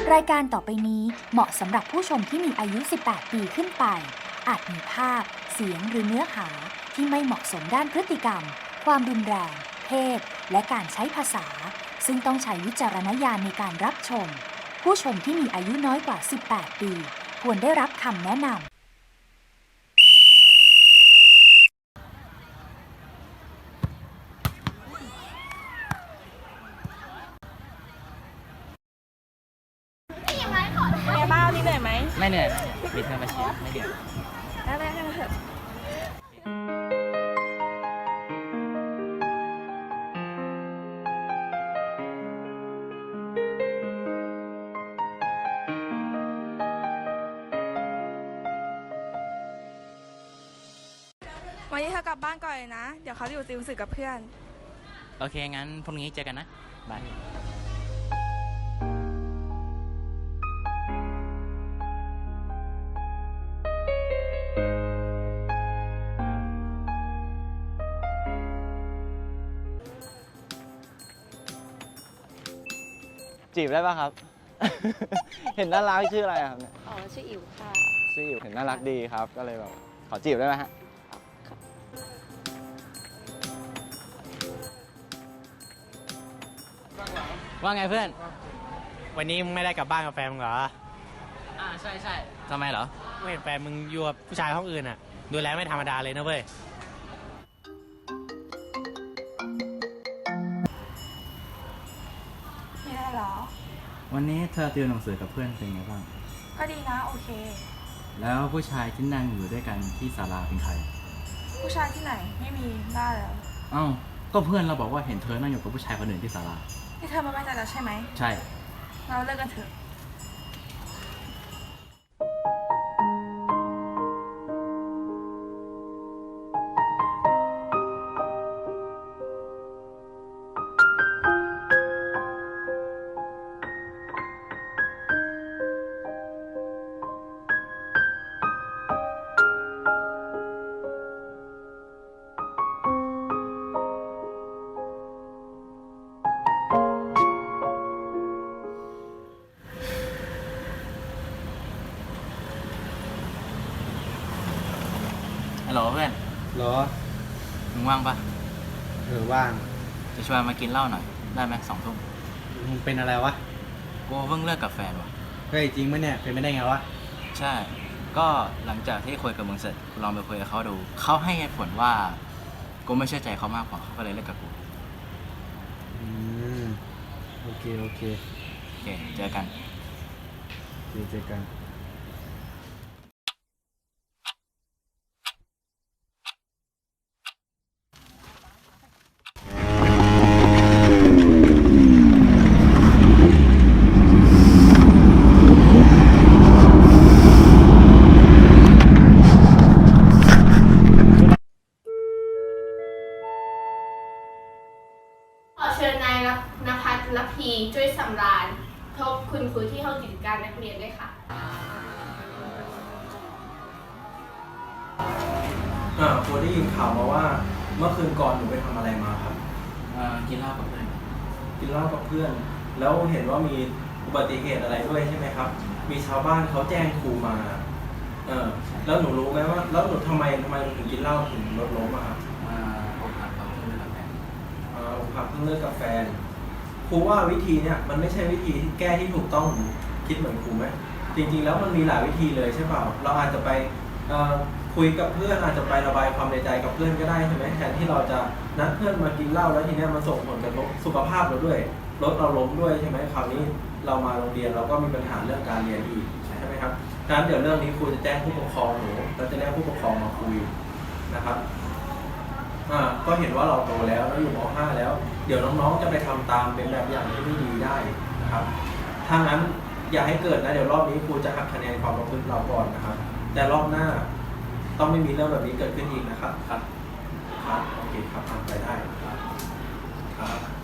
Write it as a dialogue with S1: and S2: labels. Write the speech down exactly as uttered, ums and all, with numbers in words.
S1: รายการต่อไปนี้เหมาะสำหรับผู้ชมที่มีอายุ สิบแปด ปีขึ้นไป อาจมีภาพ เสียงหรือเนื้อหาที่ไม่เหมาะสมด้านพฤติกรรม ความรุนแรง เพศ และการใช้ภาษา ซึ่งต้องใช้วิจารณญาณในการรับชม ผู้ชมที่มีอายุน้อยกว่า สิบแปด ปี ควรได้รับคำแนะนำ
S2: เป็นไงบ้างนี่เหนื่อยไหม
S3: ไม่เหนื่อยมีเธอมาเชียร์ไม่เดือด
S2: ได้ได้กันเถอะวันนี้เธอกลับบ้านก่อนเลยนะ เดี๋ยวเขาอยู่ติวหนังสือกับเพื่อน
S3: โอเค งั้นพรุ่งนี้เจอกันนะบาย
S4: จีบได้ป่ะครับ เห็นน่ารักชื่ออะไรครับเนี่ย
S5: อ๋อชื่ออิ๋วค่ะ
S4: ชื่ออยู่เห็นน่ารักดีครับ ก็เลยแบบขอจีบได้ไหมฮะ
S3: ว่าไงเพื่อน
S6: วันนี้มึงไม่ได้กลับบ้านกับแฟนมึงเหรอ
S3: อ่าใช่ใช่ทำไมเหรอ
S6: ไม่เห็นแฟนมึงอยู่กับผู้ชายห้องอื่นอ่ะ ดูแลไม่ธรรมดาเลยนะเว้ย
S2: ไม่ได้หรอ
S7: วันนี้เธอติวหนังสือกับเพื่อนเป็นไงบ้าง
S2: ก็ดีนะ โอเค
S7: แล้วผู้ชายที่นั่งอยู่ด้วยกันที่ศาลาเป็นใคร
S2: ผู้ชายที่ไหนไม่มีได้แล้ว
S7: เอ้า ก็เพื่อนเราบอกว่าเห็นเธอนั่งอยู่กับผู้ชายคนอื่นที่ศาลา
S2: นี่เธอมาไม่ใจแล้วใช่ไหม
S7: ใช่
S2: เราเลิกกันเถอะ
S3: ฮัลโหลเพื่อน
S4: หรอ
S3: มึงว่างปะ
S4: เออว่าง
S3: จะชวนมากินเหล้าหน่อย ได้ไหมสองทุ่ม
S4: มึงเป็นอะไรวะ
S3: กูเพิ่งเลิกกับแฟนว่ะ
S4: เฮ้ยจริงไหมเนี่ย เป็นไม่ได้ไงวะ
S3: ใช่ ก็หลังจากที่คุยกับมึงเสร็จกูลองไปคุยกับเขาดู เขาให้เหตุผลว่า กูไม่เชื่อใจเขามากพอเขาก็เลยเลิกกับกู
S4: อืม โอเค โอเค
S3: โอเค เจอกัน
S4: เจอเจอกัน
S8: ขอเชิญนายนภัสรพีช่วยสำราญทบคุณครูที่ห้องกิจการนักเรียนด้วยค่ะ
S9: อ่าครูได้ยินข่าวมาว่าเมื่อคืนก่อนหนูไปทำอะไรมาครับ
S3: เอ่อ กินเหล้ากับเพื่อน
S9: กินเหล้ากับเพื่อน แล้วเห็นว่ามีอุบัติเหตุอะไรด้วยใช่ไหมครับ มีชาวบ้านเขาแจ้งครูมา เออแล้วหนูรู้ไหมว่า แล้วหนูทำไมทำไมหนูถึงกินเหล้าถึงรถล้มอะครับ
S3: มาอกหักกับเพื่อนกับแฟน
S9: อ่าอกหักเพิ่งเลิกกับแฟนครูว่าวิธีเนี่ยมันไม่ใช่วิธีที่แก้ที่ถูกต้องคิดเหมือนครูไหมจริงๆแล้วมันมีหลายวิธีเลยใช่เปล่าเราอาจจะไปเอ่อคุยกับเพื่อนอาจจะไประบายความในใจกับเพื่อนก็ได้ใช่ไหมแทนที่เราจะนัดเพื่อนมากินเหล้าแล้วทีเนี้ยมันส่งผลกระทบสุขภาพเราด้วยรถเราล้มด้วยใช่ไหมคราวนี้เรามาโรงเรียนเราก็มีปัญหาเรื่องการเรียนอีกใช่ไหมครับดังนั้นเดี๋ยวเรื่องนี้ครูจะแจ้งผู้ปกครองหนูเราจะเรียกผู้ปกครองมาคุยนะครับอ่าก็เห็นว่าเราโตแล้วแล้วอยู่ม .ห้า แล้วเดี๋ยวน้องๆจะไปทำตามเป็นแบบอย่างที่ไม่ดีได้นะครับถ้างั้นอย่าให้เกิดนะเดี๋ยวรอบนี้ครูจะหักคะแนนความประพฤติเราก่อนนะครับแต่รอบหน้าต้องไม่มีเรื่องแบบนี้เกิดขึ้นอีกนะครับครับครับโอเคครับทำไปได้ครับครับ